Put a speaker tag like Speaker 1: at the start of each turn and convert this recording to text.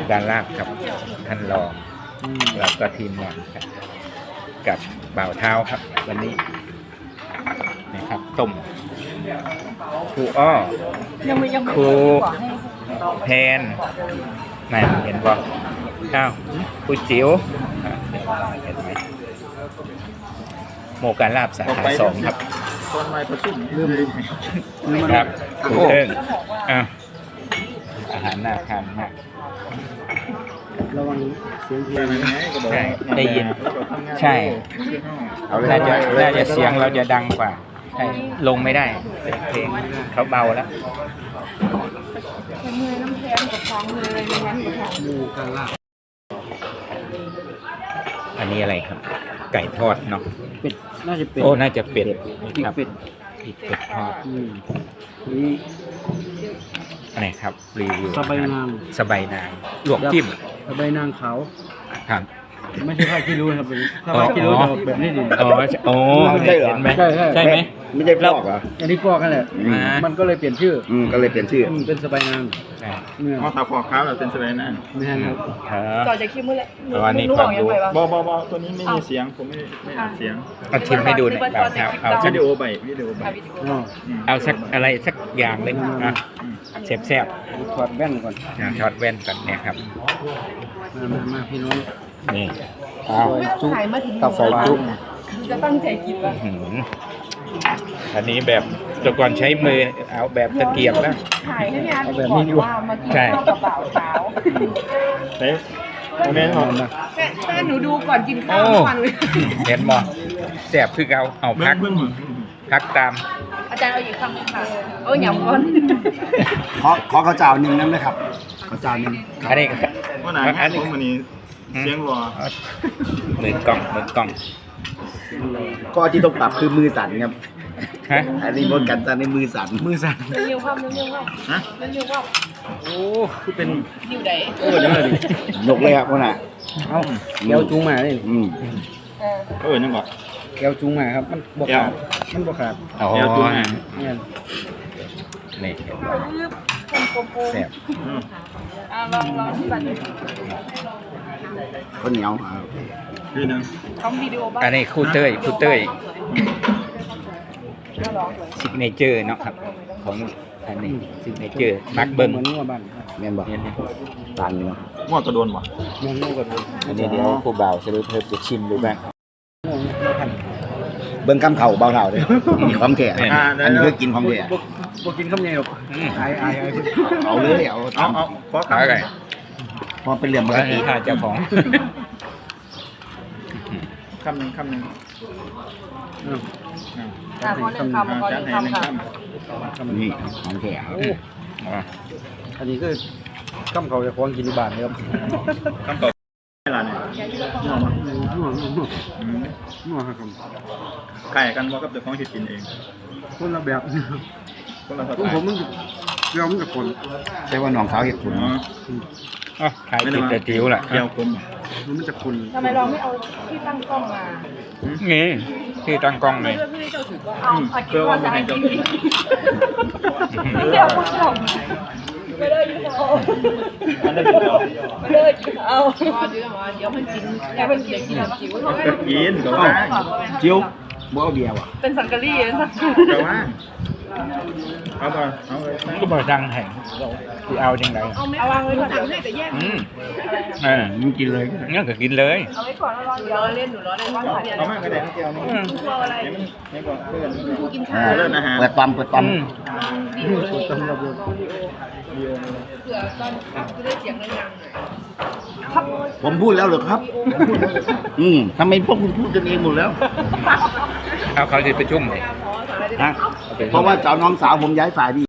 Speaker 1: การลาบครับท่านรองแล้วก็ทีมงานครับกับบ่าวเท้าครับ วันนี้นะครับต้มครูอ้อครูแพนนั่นเห็นบ่อ้าวครูจิ๋วเห็นไหมโมการลาบสาขาสองครับ
Speaker 2: ตอนไม่ประชุม
Speaker 1: ครับครูเอิ้งอ้าวอาหารน่าทานมาก
Speaker 2: ระวังเสียงเพลง
Speaker 1: ใช่ได้ยินใช่น่าจะเสียงเราจะดังกว่าใช่ลงไม่ได้เพลงเขาเบาแล้ว
Speaker 3: มือน้ำแข็งกับท้องเลยในนั้นกับท้อง
Speaker 2: มูกันล่ะ
Speaker 1: อันนี้อะไรครับไก่ทอดเนาะ
Speaker 2: เป็ดน่าจะเป็ด
Speaker 1: โอ้น่าจะเป็ดครับ
Speaker 2: เป็ด
Speaker 1: ทอด
Speaker 2: นี่
Speaker 1: อะไรครับรีวิว
Speaker 2: สบายนาง
Speaker 1: ลวกจิ้ม
Speaker 2: สบายนางขาว
Speaker 1: ครับ
Speaker 2: ไม่ใช่ผ้าขี้ริ้วครับถ้าผ้าขี้ริ้วจะแบบนี้ดิ
Speaker 1: เห็นไหมใช่ไหม
Speaker 4: ไม่ใช่ฟอกเหรอ
Speaker 2: อันนี้ฟอกกันแหละมันก็เลยเปลี่ยนชื่อ
Speaker 4: ก็เลยเปลี่ยนชื่อ
Speaker 2: เป็นสบายนาง
Speaker 4: อ๋อถ้าฟอกขาวเราเป็นสบายนาง
Speaker 2: ไม่ใช่ครับ
Speaker 3: ต่อจากคิมเมื่อไร
Speaker 1: อันนี้ความรู้
Speaker 4: บตัวนี้ไม่มีเสียงผมไม่อัดเสียง
Speaker 1: เอาชิมให้ดูหน่อยครับเอา
Speaker 4: วิดีโอใบ
Speaker 1: เอาสักอะไรสักอย่างเลยนะแซ่บ
Speaker 2: ถอดแว่นก่อน
Speaker 1: ถอดแว่นก่อนเนี่ยครับ
Speaker 2: มาพี่น้อง
Speaker 1: นี่
Speaker 2: จุ๊บกับใส่จุ๊บ
Speaker 3: จะตั้งใจกินวะ
Speaker 1: อันนี้แบบแต่ก่อนใช้มือเอาแบบตะเกียบแล้ว
Speaker 3: ถ่ายให้พี่อาร์ตก่อนว่ามากินข้าวกับบ่าวเช้า
Speaker 4: แม่หอมนะ
Speaker 3: แม่หนูดูก่อนกินข้าวทุกวันเลย
Speaker 1: เห็นมั้ยแซ่บคือเอาพักตาม
Speaker 3: อาจารย์เอาอีกคำนึงค่ะหยำก่อน
Speaker 4: ขอข้าวเจ้าหนึ่งนั่นเลยครับข้าวเจ้าหนึ่ง
Speaker 1: อันนี้
Speaker 4: วันไหนอันนี้เสียงรอ
Speaker 1: เหมือนกล้อง
Speaker 4: ก็ที่ต้องปรับคือมือสั่นครับ
Speaker 1: ฮะ
Speaker 4: อันนี้บนกันในมือสั่น
Speaker 3: เลี้ยวความฮะเลี้ยวความ
Speaker 1: โอ้คือเป็น
Speaker 3: อยู่ไหน
Speaker 4: ยกเลยครับพ่อน่ะ
Speaker 2: เอ้าแก้วจุ้งมาเลย
Speaker 4: นั่นก่อน
Speaker 2: แก้วจุ้งมาครับมันบกขาด
Speaker 1: แก้วจุ้ง
Speaker 2: นี่
Speaker 1: แซ่บ
Speaker 3: ลองที่บัตร
Speaker 4: ข้าวเหนียว
Speaker 3: ทำวิดีโอบ้าง
Speaker 1: อันนี้คู่เต้ยซิกเนเจอร์เนาะครับของอันนี้ซิกเนเจอร์มักเบิ้ง
Speaker 2: เหมือนงัวบ้าน
Speaker 4: แม่นบ่ตานเนาะงัวกระโดนบ่
Speaker 2: งัวกระโดน
Speaker 1: อันนี้เดี๋ยวผู้บ่าวจะได้เพิ่มจะชิมดูบ้าง
Speaker 4: เบิ้งกำเข่าเบาเท่าเลยความแก่อันนี้คือกินความแก่
Speaker 2: บ่กินข้าวเหนียวอาย
Speaker 4: เอาเลยเอา
Speaker 1: ขอขาไก่
Speaker 4: พอเป็นเหลี่ยมปกติ
Speaker 1: ถ้าเจ้าของ
Speaker 4: คำหนึ่ง
Speaker 3: พอหนึ่งคำค่ะ
Speaker 4: นี่ของแก่
Speaker 2: อันนี้คือข้าวเขาจะคล้องกินที่บ้านครับ
Speaker 4: ข้าวเขาอะไรเนี่ย
Speaker 2: นัวครับ
Speaker 4: ไก่กันว่ากับเจ้าของที่กินเอง
Speaker 2: คนละแบบ
Speaker 4: คนละสไตล์
Speaker 2: ผมมันกับคน
Speaker 4: แต่ว่าน้องสาวเห็ดขุน
Speaker 1: ขายติดแต่จิ๋วแหละ
Speaker 4: เกี่ยวคน
Speaker 2: มันจะคน
Speaker 3: ทำไมเราไม่เอาที่ตั้งกล้องมา
Speaker 1: นี่ที่ตั้งกล้องเลย
Speaker 3: เพื่อว่าจะให้กินเดี๋ยวคุณชมไม่ได้ยินเอาไม่ได้ยินเอาเดี๋ยวมันกินแค่มันกินจิ๋ว
Speaker 4: กินก็ว่าจิ๋วบ่เอาเบียร์ว่ะ
Speaker 3: เป็นสังกะรีสัง
Speaker 4: ก็ว่าเอาต่อเอาเลย
Speaker 1: ก็บอกดังแห่งที่เอาจังไร
Speaker 3: เอาวางไว้ก่อนให้แต่แยก
Speaker 1: มึงกินเลยงั้นก็กินเลย
Speaker 3: เอาไว้ก่อนแล้วเดี๋ยวเล่นหนูรอเล่นว่า
Speaker 4: เอามากระเด็นเกี่ยวนี่
Speaker 3: กลัวอะไร
Speaker 4: ไม่ก่อนเพื่อน
Speaker 3: กินข้าว
Speaker 4: เล่นอาหารเปิดปั๊ม
Speaker 3: เผื่อตอนจะได้เสียงดังๆครับ
Speaker 4: ผมพูดแล้วเหรอครับทำไมพวกคุณพูดกันเองหมดแล้ว
Speaker 1: เขาจะประชุมเลย
Speaker 4: เพราะว่าเจ้าน้องสาวผมย้ายฝ่ายดี